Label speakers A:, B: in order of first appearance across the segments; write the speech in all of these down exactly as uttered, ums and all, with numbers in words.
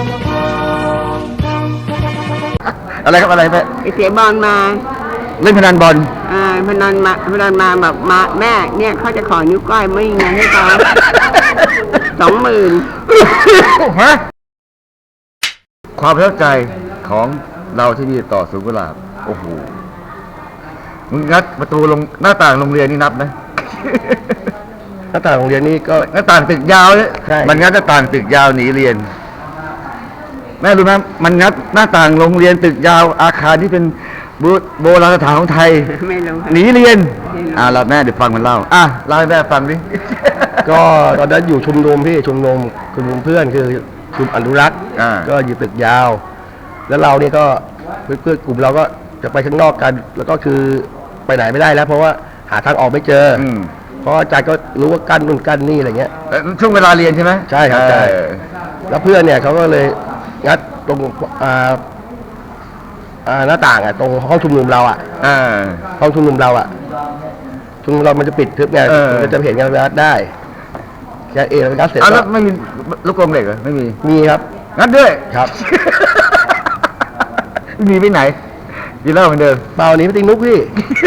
A: อะไรครับอะไรแม่
B: ไปเสียบอลมา
A: เล่นพนันบอล
B: อ่าพนันมาพนันมาแบบมาแม่เนี่ยเขาจะขอนิ้วก้อยไม่ไงให้เขาสองหมื่น
A: ฮะความประทับใจของเราที่มีต่อสุกุหลาบโอ้โหมึงงัดประตูลงหน้าต่างโรงเรียนนี่นับไหม
C: หน้าต่างโรงเรียนนี่ก็
A: หน้าต่างตึกยาวเนี่ยมันงัดหน้าต่างตึกยาวหนีเรียนแม่รู้ไหมมันงัดหน้าต่างโรงเรียนตึกยาวอาคารที่เป็นโบราณสถานของไทยหนีเรียนอ่าเราแม่เดี๋ยวฟังมันเล่าอ่ะเล่าให้แม่ฟังดิ
C: ก็ตอนนั้นอยู่ชุมนุมพี่ชุมนุมชุมนุมเพื่อนคือชุมอนุรักษ์ก็อยู่ตึกยาวแล้วเราเนี่ยก็เพื่อนกลุ่มเราก็จะไปข้างนอกกันแล้วก็คือไปไหนไม่ได้แล้วเพราะว่าหาทางออกไม่เจอเพราะอาจารย์ก็รู้ว่ากั้นนู่นกั้นนี่อะไรเงี้ย
A: ช่วงเวลาเรียนใช่ไหม
C: ใช่ครับใช่แล้วเพื่อนเนี่ยเขาก็เลยงัดตรงอ่าอ่าหน้าต่างอ่ะตรงห้องชุมนุมเราอ่ะห้องชุมนุมเราอ่ะชุมนุมเรามันจะปิดทึบไงมันจะเห็นกันได้แค่เอแล้วงัดเสร็จ
A: แล้วไม่มีลูกกรงเหล็กเหรอไม่มี
C: มีครับ
A: งัดด้วย
C: ครับ
A: มีไปไหนกินเหล้าเหมือนเดิม
C: เปล่านี้ไม่ติงนุ๊กพี่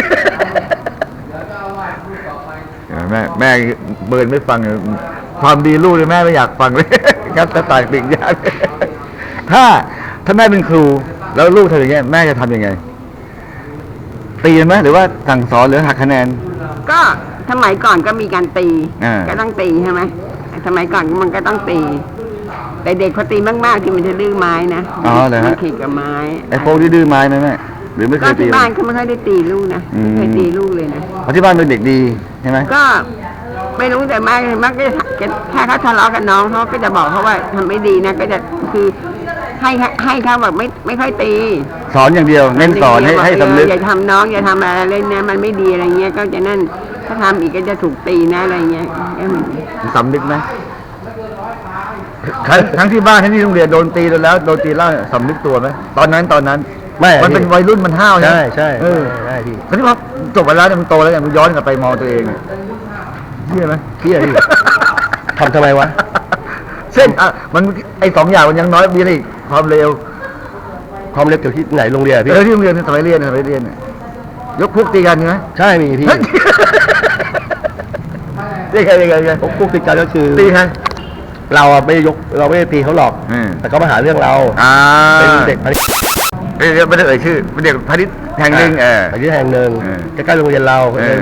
A: แม่แม่เบิร์นไม่ฟังความดีลูกเลยแม่ไม่อยากฟังเลยงัดตาต่างปิ่งยากถ้าถ้าแม่เป็นครูแล้วลูกทำอย่างเงี้ยแม่จะทำยังไงตีไหมหรือว่าสั่งสอนหรือหักคะแนน
B: ก็สมัยก่อนก็มีการตีก็ต้องตีใช่ไหมสมัยก่อนมันก็ต้องตีแต่เด็กเขาตีมากๆที่มันจะดื้อไม้นะ
A: อ๋อเลยฮะ
B: ขีดกับไม้
A: ไอ้พวกที่ดื้อไม้ไหมแม่หรือไม่เคยตีก็
B: ที่บ้านเขาไม่เคยได้ตีลูกนะไม่เคยตีลูกเลยนะ
A: เพราะที่บ้านเป็นเด็กดีใช่ไหม
B: ก็ไม่รู้แต่มากมากก็ถ้าเขาทะเลาะกับน้องเขาก็จะบอกเขาว่าทำไม่ดีนะก็จะคือให้ให้เขาแบบไม่ไม่ค่อยตี
A: สอนอย่างเดียวเน้นสอนให้ให้สำนึก
B: อย่าทำน้องอย่าทำอะไรเล่นนะมันไม่ดีอะไรเงี้ยก็จะนั่นถ้าทำอีกก็จะถูกตีนะอะไรเงี้ย
A: สำนึกไหมทั้งที่บ้านทั้งที่โรงเรียนโดนตีแล้วโดนตีแล้วสำนึกตัวไหมตอนนั้นตอนนั้น
C: ไม่
A: มันเป็นวัยรุ่นมันห้าว
C: ใช่ใช่ใช่ใช่
A: พี่คราวนี้พอจบไปแล้วเนี่ยมันโตแล้วเนี่ยมันย้อนกลับไปมองตัวเองเที่ยไหม
C: เที่ยพี่ทำทำไมวะ
A: เส้นอ่ะมันไอ้สองอย่างมันยังน้อยมีอะไรความเร็ว
C: ความเร็วเกี่ยวที่ไหนโรงเรียนพี่
A: เออที่โรงเรียนสมัยเรียนสมัยเรียนยกพวกตีกันใช่ไหม
C: ใช่มีพี่
A: ตีใครตีใครตี
C: พวกตีกันก็คือ
A: ตีใคร
C: เราไม่ยกเราไม่ได้ตีเขาหรอกแต่เขามาหาเรื่องเราเป็นเด็กพาณิชย์
A: ไม่ได้เอ่ยชื่อเป็นเด็กพาณิชย์แห่งหนึ่งเออ
C: พาณิชย์แห่งหนึ่งใกล้ๆโรงเรียนเรา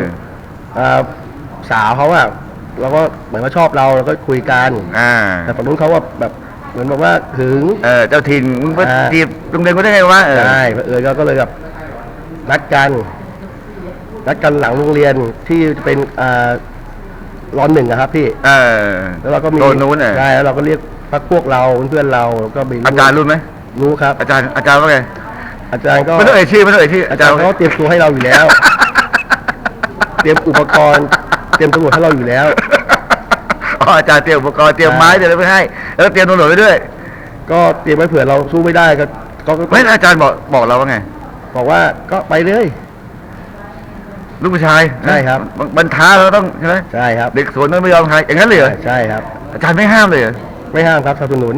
C: สาวเขาอะเราก็เหมือนว่าชอบเราเราก็คุยกันแต่ฝั่งนู้นเขาว่าแบบเหมือนบอกว่าถึง
A: เออเจ้าถิ่นมึงไปจีบโรงเรียนก็ได้ไงวะ
C: ใช่เออก็เลยแบบนัดกันนัดกันหลังโรงเรียนที่จะเป็นอ่าร้อนหนึ่งนะครับพี่
A: เออ
C: แล้วเราก็มี
A: โดนนู้น
C: ใช่แล้วเราก็เรียกพักพวกเราเพื่อนเราก็มี
A: อาจารย์รู้ไหม
C: รู้ครับ
A: อาจารย์อาจารย์ว่าไง
C: อาจารย์ก็
A: ไม่ต้องเอ่ยชื่อไม่ต้องเอ่ยชื่อ
C: อาจารย์เขาเตรียมตัวให้เราอยู่แล้วเตรียมอุปกรณ์เตรียมตำรวจให้เราอยู่แล้ว
A: อ๋ออาจารย์เตรียมอุปกรณ์เตรียมไม้เตรียมอะไรไปให้แล้วเตรียมตำรวจไว้ด้วย
C: ก็เตรียมไว้เผื่อเราสู้ไม่ได้ก็ก็
A: ไม่อาจารย์บอกบอกเราว่าไง
C: บอกว่าก็ไปเลย
A: ลูกผู้ชาย
C: ใช่ครับ
A: บรรท้าเราต้องใช่ไหม
C: ใช่ครับ
A: เด็กสวนไม่ยอมใครอย่างนั้นเลยเหรอ
C: ใช่ครับ
A: อาจารย์ไม่ห้ามเลย
C: ไม่ห้ามครับสนับสนุน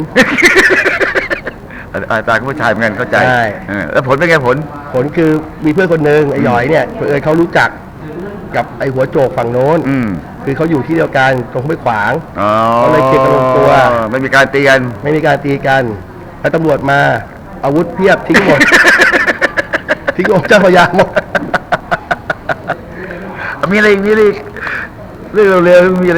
A: อาจารย์ผู้ชายเหมือนกันเข้าใจแล้วผลเป็นไงผล
C: ผลคือมีเพื่อนคนหนึ่งไอ้หยอยเนี่ยเออเขารู้จักกับไอ้หัวโจกฝั่งโน้นคือเขาอยู่ที่เดียวกันตรงไม่ขวางเขาเลยเก็บกันลงตัว
A: ไม่มีการตีกัน
C: ไม่มีการตีกันแล้วตำรวจมาอาวุธเพียบทิ้งหมดทิ้งองค์เจ้าพญาหมด
A: มีอะไรมีอะไรเรื่องเร็วๆมีอะไร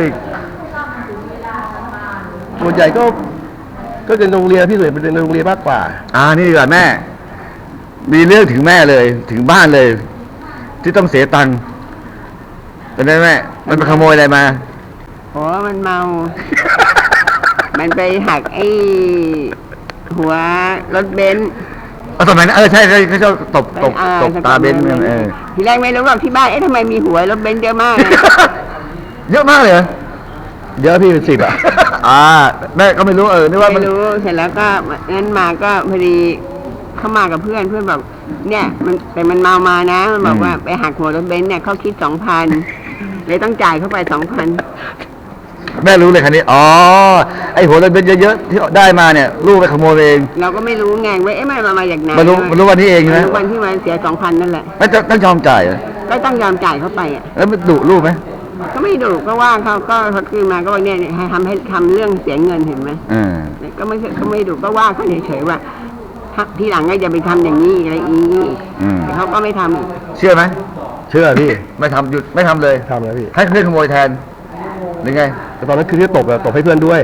C: ส่วนใหญ่ก็ก็เป็นโรงเรียนพี่เลยเป็นโรงเรียนมากกว่า
A: อ่านี่ดีกว่าแม่มีเรื่องถึงแม่เลยถึงบ้านเลยที่ต้องเสียตังค์เป็นไงแม่มันไปขโมยอะไรมา
B: โอ้มันเมามันไปหักไอ้หัวรถเบนซ์
A: เอาสมัยนั้นเออใช่ใช่เขาชอบตบตบตบตาเบนซ์เออ
B: ทีแรกไม่รู้หรอกที่บ้านเอ๊ะทำไมมีหัวรถเบนซ์เยอะมาก
A: เยอะมากเลย
C: เยอะพี่เป็นสิบอ่ะ
A: อ่าแม่ก็ไม่รู้เออนี่ว่า
B: ไม่รู้เสร็จแล้วก็งั้นมาก็พอดีเข้ามากับเพื่อนเพื่อนบอกเนี่ยมันแต่มันเมามานะมันบอกว่าไปหักหัวรถเบนซ์เนี่ยเขาคิดสองพันเลยต้องจ่ายเข้าไปสองพัน
A: แม่รู้เลยคันนี้อ๋อไอ้หัวระเบิดเยอะๆที่ได้มาเนี่ยลูกไปขโมยเอง
B: เราก็ไม่รู้ไงว่าเอ๊ะมันมาจากไหน
A: มารู้มารู้วันนี้เองนะ
B: รู้วันที่มันเสียสองพันนั่นแหละ
A: ไม่ต้องต้องยอมจ่ายเหรอ
B: ก็ต้องยอมจ่ายเข้าไปอ่ะ
A: แล้วมันดุลูกไหม
B: ก็ไม่ดุก็ว่าเขาก็เขาคืนมาก็บอกเนี่ยให้ทำให้ทำเรื่องเสียเงินเห็นไหม
A: เออ
B: ก็ไม่ก็ไม่ดุก็ว่าเขาเฉยๆว่าถ้าทีหลังก็อย่าไปทำอย่างนี้อะไรอีก
A: อืม
B: แต่เขาก็ไม่ทำอีก
A: เชื่อไหม
C: เชื่อพี่
A: ไม่ทำหยุดไม่ทำเลย
C: ทำแล้วพี่
A: ให้เพื่อนขโมยแทนหรือไง
C: แต่ตอนนั้นคือที่ตบอะตบให้เพื่อนด้วย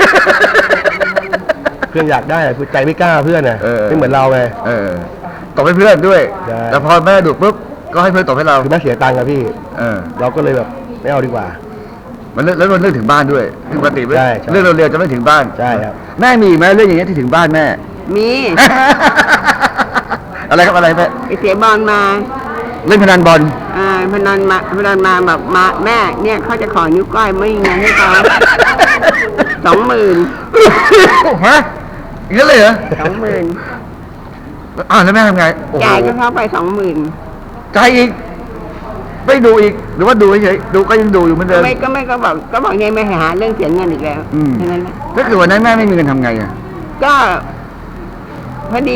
C: เพื่อนอยากได้อะคือใจไม่กล้าเพื่อนอะ
A: เออ
C: ไม่เหมือนเราไง
A: เออตบให้เพื่อนด้วย
C: ใช่
A: แต่พอแม่ดุปุ๊บก็ให้เพื่อนตบให้เรา
C: คือแม่เสียตังค์อะพี่
A: เออ
C: เราก็เลยแบบไม่เอาดีกว่า
A: มันเรื่องแล้วมันเรื่องถึงบ้านด้วยคือปกติ
C: ใช่ใช่
A: เรื่องเร็วๆจะไม่ถึงบ้าน
C: ใช่ครับ
A: แม่มีอีกไหมเรื่องอย่างเงี้ยที่ถึงบ้านแม่
B: มี
A: อะไรครับอะไรแม่
B: ไปเสียบอลมา
A: เล่นพนันบอล
B: อ่าพนันมาพนันมาแบบมาแม่เนี่ยเขาจะขอนิ้วก้อยไม่มีเงินให้เขาสองหมื่น
A: ฮะอย่างนั้นเลยเหรอ
B: สองหมื่น
A: อ่าวแล้วแม่ทำไงโอ้โห
B: จ่ายก็เข้าไปสองหมื่น
A: จ่ายอีกไม่ดูอีกหรือว่าดูเฉยๆดูก็ยังดูอยู่เหมือนเดิม
B: ไม่ก็ไม่ก็บอกก็บอกเนี่ยไม่หาเรื่องเสียเงินอีกแล้ว
A: อืม
B: แค่นั้นแหละ
A: ก็คือวันนั้นแม่ไม่มีเงินทำไงอ่ะ
B: ก็พอดี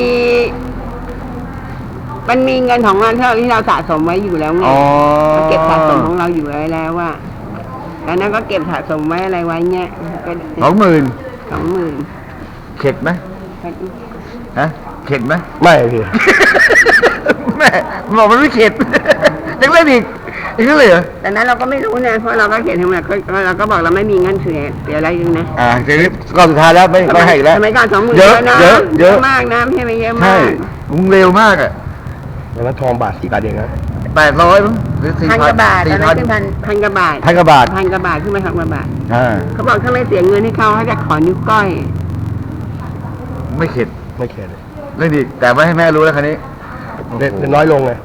B: มันมีเงินของเราที่เราที่เราสะสมไว้อยู่แล้วไง
A: อ๋อ
B: เราเก็บสะสมของเราอยู่ไว้แล้วว่าแล้วนั้นก็เก็บสะสมไว้อะไรไว้เนี่ยก็
A: สองหมื่น
B: สองหมื่น
A: เข็ดไหมฮะเข็ดไหม
C: ไม่พี่
A: แม่บอกมันไม่เข็ด ยังเล่นอีกอีกนั่นเลยเหรอ
B: แต่นั้นเราก็ไม่รู้นะเพราะเราก็เขียนทำไมก็เราก็บอกเราไม่มีเงินเสียเสียอะไรยังนะ
A: อ่าทีนี้ก็สุดท้ายแล้วไม่ไม่ให้อีกแล้ว
B: สมัยก่อนสองหมื่น
A: เยอะ
B: นะ
A: เยอะเยอะ
B: มากนะไม่ใช่ไม่เยอะ
A: ใช่
B: มาก
A: มึงเร็วมากอ่ะ
C: ตอนนั้นทองบาทสี่บาทเองนะ
A: แปดร้อยมั้งหรือสี่
B: พัน
A: พั
B: ก
A: น
B: ว่าบาทต
A: สี่
B: อนนั้
A: พั
B: น
A: น
B: ขึ้นพันพันกว่าบาท
A: พันกว่าบาท
B: พันกว่าบาทขึ้นมาพันกว่าบาท
A: อ่า
B: เขาบอกถ้าไม่เสียเงินให้เขาเขาจะขอนิ้วก้อย
A: ไม่เข็ด
C: ไม่เข็ดเลย
A: เล่นอีกแต่ไม่ให้แม่รู้แล้วคันนี้
C: เล่นเล่นน้อยลงไง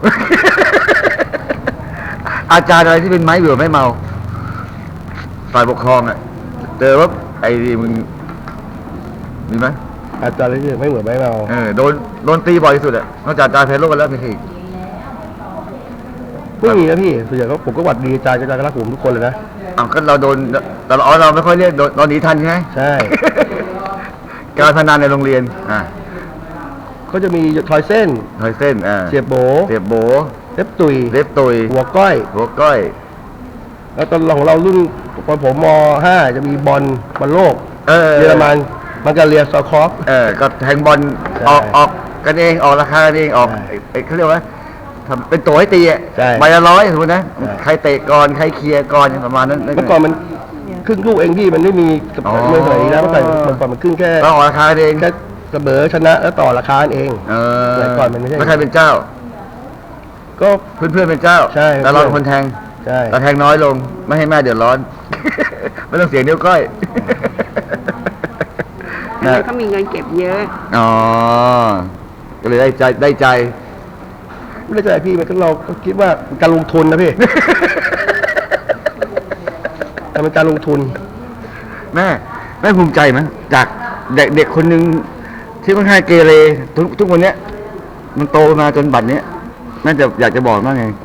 A: อาจารย์อะไรที่เป็นไม้เบื่อไม่เมาฝ่ายปกครองอ่ะเจอว่าไอ้นี่มึงมีไหม
C: อาจารย์เลยไม่เหมือนไม่เมา
A: เออโดนโดนตีบ่อยที่สุดอ่ะนอกจากอาจารย์เพลโลกันแล้วมีใครอีก
C: ไม่มีนะพี่ส่วนใหญ่ก็ผมก็หวัดดีอาจารย์อาจารย์ก็รักผมทุกคนเลยนะ
A: อ้าวก็เราโดนแต่เราอ๋อเราไม่ค่อยเรียกโดนเราหนีทันใช่ไหม
C: ใช่
A: การพนันในโรงเรียนอ่า
C: ก็จะมีทอยเส้น
A: ถอยเส้นอ่า
C: เสียบโบ
A: เสียบโบ
C: เล็บตุย
A: เล็บตุย
C: หัวก้อย
A: หัวก้อย
C: แล้วตอนของเรารุ่นตอนผมม ห้าจะมีบอลบอลโลก
A: เออ
C: เยอรมันมันก็เรียซอคอฟ
A: เออก็แทงบอล
C: ใช่
A: ออกออกกันเองออกราคากันเองออก
C: ใช่
A: ไอ้ไอ้เขาเรียกว่าทำเป็นตัวให้ตีอ่ะ
C: ใช่
A: ใบละร้อยสมมตินะ
C: ใช่
A: ใครเตะก่อนใครเคลียร์ก่อนประมาณนั้น
C: เมื่อก่อนมันครึ่งลูกเองพี่มันไม่มีกับ
A: อ๋อ
C: เมื่อสมัยนี้นะเมื่อก่อนเมื่อก่อนมันครึ่งแค่
A: เราออกราคากันเอง
C: แค่เสมอชนะแล้วต่อราคาเอง
A: เออ
C: สมัยก่อนมันไม่ใช่
A: แล้วใครเป็นเจ้า
C: ก็
A: เพื่อนเพื่อนๆเป็นเจ้า
C: ใช่
A: แต่เราเป็นคนแทง
C: ใช่
A: เราแทงน้อยลง ไม่ให้แม่เดือดร้อน ไม่ต้องเสียนิ้วก้อย
B: อันนั้นเขามีเงินเก็บเยอะ
A: อ๋อ ก็เลยได้ใจได้ใจ
C: ไม่ได้ใจพี่มันก็เราก็คิดว่าเป็นการลงทุนนะพี่ แต่เป็นการลงทุน
A: แม่แม่ภูมิใจไหมจากเด็กเด็กคนหนึ่งที่ค่อนข้างเกเรทุกทุกวันเนี้ย มันโตมาจนบัดเนี้ยแม่จะอยากจะบอกว่าไง